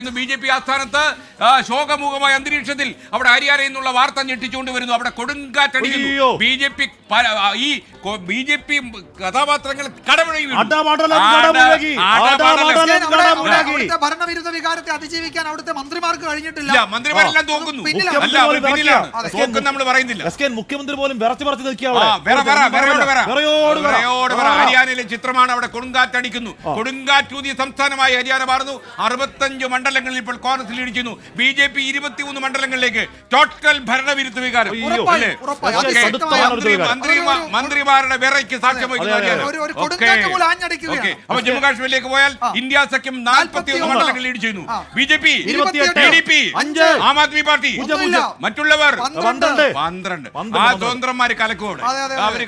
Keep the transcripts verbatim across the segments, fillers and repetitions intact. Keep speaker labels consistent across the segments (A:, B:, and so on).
A: B J P ആസ്ഥാനത്ത് ശോകമുഖമായ അന്തരീക്ഷത്തിൽ അവിടെ ഹരിയാനയിൽ നിന്നുള്ള വാർത്ത ഞെട്ടിച്ചുകൊണ്ട് വരുന്നു. അവിടെ കൊടുങ്കാറ്റടിക്കുന്നു. ബി ജെ പി ഈ ബി ജെ പി കഥാപാത്രങ്ങൾ കടമുഴകി
B: ഭരണവിരുദ്ധ വികാരത്തെ അതിജീവിക്കാൻ അവിടുത്തെ മന്ത്രിമാർക്ക് കഴിഞ്ഞിട്ടില്ല.
A: മന്ത്രിമാരെല്ലാം തോക്കുന്നു. നമ്മൾ പറയുന്നില്ല.
C: മുഖ്യമന്ത്രി പോലും വിറച്ചു പറച്ച് നിൽക്കുക.
A: ഹരിയാനയിലെ ചിത്രമാണ്. അവിടെ കൊടുങ്കാറ്റടിക്കുന്നു. കൊടുങ്കാറ്റൂതിയ സംസ്ഥാനമായി ഹരിയാന മാറുന്നു. അറുപത്തഞ്ച് മണ്ഡലങ്ങളിൽ ഇപ്പോൾ കോൺഗ്രസ് ലീഡ് ചെയ്യുന്നു. ബി ജെ പി ഇരുപത്തിമൂന്ന് മണ്ഡലങ്ങളിലേക്ക് ടോട്ടൽ ഭരണവിരുദ്ധ വികാരം. മന്ത്രിമാരുടെ വിറയ്ക്ക് സാക്ഷ്യം വഹിക്കുന്നു. അപ്പൊ ജമ്മു കാശ്മീരിലേക്ക് പോയാൽ ഇന്ത്യ സഖ്യം നാൽപ്പത്തിയൊന്ന് മണ്ഡലങ്ങൾ ലീഡ് ചെയ്യുന്നു. B J P, T D P, Aam Aadmi party, മറ്റുള്ളവർ പന്ത്രണ്ട്. ആ സ്വതന്ത്രന്മാര് കലക്കോടെ അവര്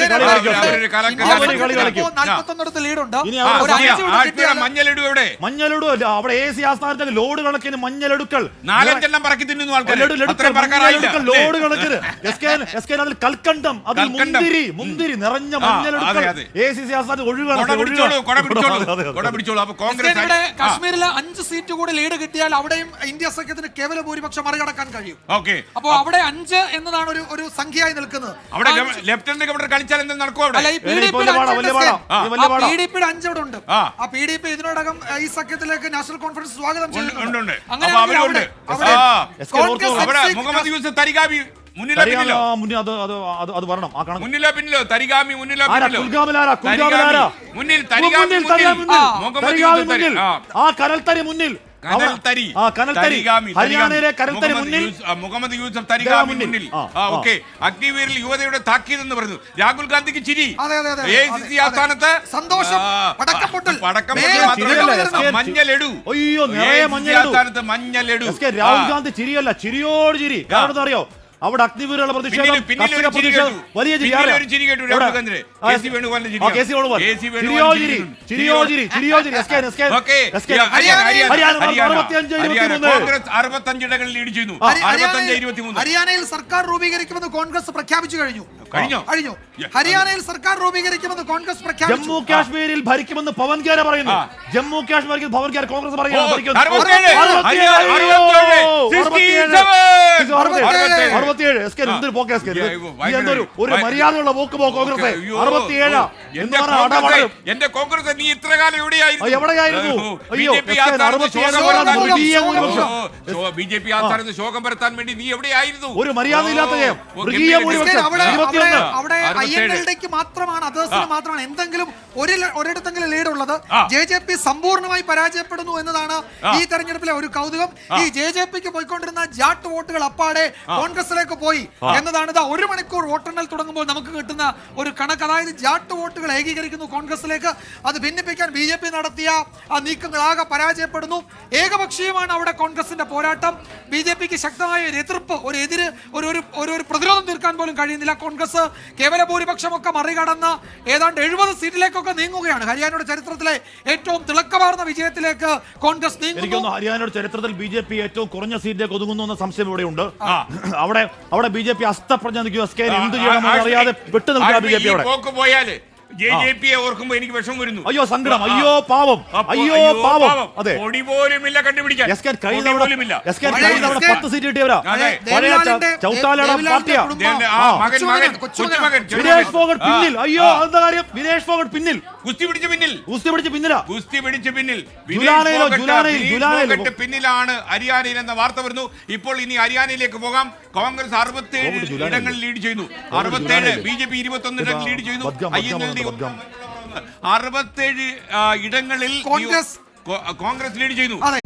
A: മഞ്ഞളിടു എവിടെ?
C: മഞ്ഞളിടു അവിടെ എ സി ആസ്ഥാനത്ത് ലോഡ് കണക്കിന് മഞ്ഞളെടുക്കൽ
A: നാലഞ്ചെണ്ണം പറക്കി തിന്നുന്നു ആൾക്കാർ.
C: ലോഡ് കണക്കിന് അതിൽ കൽക്കണ്ടം, അതിൽ മുന്തിരി മുന്തിരി നിറഞ്ഞ മഞ്ഞളെടുക്കൽ എ സി സി ആസ്ഥാനത്ത് ഒഴിവാണ്.
B: കാശ്മീരിലെ അഞ്ച് സീറ്റ് കൂടി ലീഡ് കിട്ടിയാൽ അവിടെയും ഇന്ത്യ സഖ്യത്തിന് കേവല ഭൂരിപക്ഷം മറികടക്കാൻ കഴിയും. അപ്പൊ അവിടെ അഞ്ച് എന്നതാണ് ഒരു ഒരു സംഖ്യയായി നിൽക്കുന്നത്.
A: അവിടെ ലെഫ്റ്റനന്റ് ഗവർണർ കളിച്ചാൽ എന്ത് നടക്കും? അവിടെ
B: പി ഡി പിയുടെ അഞ്ച് അവിടെ ഉണ്ട്. ആ പി ഡി പി ഇതിനോടകം ഈ സഖ്യത്തിലേക്ക് നാഷണൽ കോൺഫറൻസ് സ്വാഗതം ചെയ്യുന്നുണ്ട്. അങ്ങനെ
A: മുഹമ്മദ് യൂസഫ് തരിഗാമി മുന്നിലോ പിന്നിലോ? മുന്നിലോ പിന്നിലോ? തരിഗാമി മുന്നിലോ പിന്നിലോ? മുന്നിൽ തരിഗാമി മുന്നിൽ.
C: ആ കനൽത്തരി മുന്നിൽ.
A: ഹരിയാനയിലെ കനൽത്തരി മുന്നിൽ മുഹമ്മദ് യൂസഫ് തരിഗാമി മുന്നിൽ. ഓക്കെ. അഗ്നിവീരിൽ യുവതയുടെ താക്കീതെന്ന് പറഞ്ഞു. രാഹുൽ ഗാന്ധിക്ക് ചിരി. എ സി സി ആസ്ഥാനത്ത്
B: സന്തോഷം. പടക്കപ്പൊട്ടൽ.
A: മഞ്ഞലെടു.
C: അയ്യോ
A: ആസ്ഥാനത്ത് മഞ്ഞലെടു.
C: രാഹുൽ ഗാന്ധി ചിരിയല്ല, ചിരിയോട് ചിരി. കാരണം അറിയോ, അവിടെ അഗ്നിവീരുള്ള പ്രതിഷേധം, വലിയ
A: അറുപത്തഞ്ചിടങ്ങളിൽ ലീഡ് ചെയ്യുന്നു.
B: ഹരിയാനയിൽ സർക്കാർ രൂപീകരിക്കുമെന്ന് കോൺഗ്രസ് പ്രഖ്യാപിച്ചു കഴിഞ്ഞു. കഴിഞ്ഞു കഴിഞ്ഞു ഹരിയാനയിൽ സർക്കാർ രൂപീകരിക്കുമെന്ന് കോൺഗ്രസ് പ്രഖ്യാപിച്ചു.
C: ജമ്മു കാശ്മീരിൽ ഭരിക്കുമെന്ന് പവൻ ഖേര പറയുന്നു. ജമ്മു കാശ്മീരിൽ പവൻ ഖേര കോൺഗ്രസ് പറയുന്നു. ഒരു മര്യാദയുള്ള പോക്ക് പോ കോൺഗ്രസ്. അറുപത്തിയേഴ്
A: എന്റെ കോൺഗ്രസ് നീ ഇത്ര കാലം എവിടെയായിരുന്നു?
C: എവിടെയായിരുന്നു?
A: ബി ജെ പി ആസ്ഥാനത്ത് ശോകം പരത്താൻ വേണ്ടി നീ എവിടെയായിരുന്നു?
C: ഒരു മര്യാദയില്ലാത്ത
B: അവിടെ ഐ എൻ എൽ ഡിക്ക് മാത്രമാണ്, അതേഴ്സിന് മാത്രമാണ് എന്തെങ്കിലും ഒരു ഒരിടത്തെങ്കിലും ലീഡ് ഉള്ളത്. ജെ ജെ പി സമ്പൂർണ്ണമായി പരാജയപ്പെടുന്നു എന്നതാണ് ഈ തെരഞ്ഞെടുപ്പിലെ ഒരു കൗതുകം. ഈ ജെ ജെ പിക്ക് പോയിക്കൊണ്ടിരുന്ന ജാട്ട് വോട്ടുകൾ അപ്പാടെ കോൺഗ്രസിലേക്ക് പോയി എന്നതാണ് ഒരു മണിക്കൂർ വോട്ടെണ്ണൽ തുടങ്ങുമ്പോൾ നമുക്ക് കിട്ടുന്ന ഒരു കണക്ക്. അതായത് ജാട്ട് വോട്ടുകൾ ഏകീകരിക്കുന്നു കോൺഗ്രസിലേക്ക്. അത് ഭിന്നിപ്പിക്കാൻ ബി ജെ പി നടത്തിയ ആ നീക്കങ്ങളാകെ പരാജയപ്പെടുന്നു. ഏകപക്ഷീയമാണ് അവിടെ കോൺഗ്രസിന്റെ പോരാട്ടം. ബി ജെ പിക്ക് ശക്തമായ ഒരു എതിർപ്പ്, ഒരു എതിര് ഒരു ഒരു പ്രതിരോധം തീർക്കാൻ പോലും കഴിയുന്നില്ല. കോൺഗ്രസ് കേവല ഭൂരിപക്ഷമൊക്കെ മറികടന്ന് ഏതാണ്ട് എഴുപത് സീറ്റിലേക്കൊക്കെ നീങ്ങുകയാണ്. ഹരിയാനയുടെ ചരിത്രത്തിലെ ഏറ്റവും തിളക്കമാർന്ന വിജയത്തിലേക്ക് കോൺഗ്രസ് നീങ്ങുന്നു.
C: ഹരിയാനയുടെ ചരിത്രത്തിൽ ബി ജെ പി ഏറ്റവും കുറഞ്ഞ സീറ്റിലേക്ക് ഒതുങ്ങുന്നു എന്ന സംശയം ഇവിടെയുണ്ട്. അവിടെ അവിടെ ബി ജെ പി അസ്തപ്രജ്ഞ നിൽക്കുക. എന്ത് ചെയ്യണമെന്ന് അറിയാതെ വിട്ടു നിൽക്കുക ബി ജെ പി. അവിടെ
A: പോയാല് ജെ ജെ പിയെ ഓർക്കുമ്പോ എനിക്ക് വിഷം വരുന്നു.
C: അയ്യോ സങ്കടം, അയ്യോ പാവം, അയ്യോ പാവം. അതെ,
A: പൊടി പോലുമില്ല കണ്ടുപിടിക്കാൻ.
C: പത്ത് സീറ്റ് കിട്ടിയവരാ. ചൗട്ടാലയുടെ പാർട്ടിയാ. വിനേഷ് ഫോഗട്ട് പിന്നിൽ. അയ്യോ അതെന്താ കാര്യം? വിനേഷ് ഫോഗട്ട് പിന്നിൽ.
A: കുസ്തി പിടിച്ച് പിന്നിൽ.
C: കുസ്തി പിടിച്ച് പിന്നിലാ.
A: കുസ്തി പിടിച്ച് പിന്നിൽ.
C: പിന്നിലാണ്
A: ഹരിയാനയിൽ എന്ന വാർത്ത വരുന്നു. ഇപ്പോൾ ഇനി ഹരിയാനയിലേക്ക് പോകാം. കോൺഗ്രസ് അറുപത്തേഴ് ഇടങ്ങളിൽ ലീഡ് ചെയ്യുന്നു. അറുപത്തേഴ്. ബി ജെ പി ഇരുപത്തൊന്ന് ഇടങ്ങളിൽ ലീഡ് ചെയ്യുന്നു. ഐ എൻ എൽ ഡി അറുപത്തേഴ് ഇടങ്ങളിൽ കോൺഗ്രസ് ലീഡ് ചെയ്യുന്നു.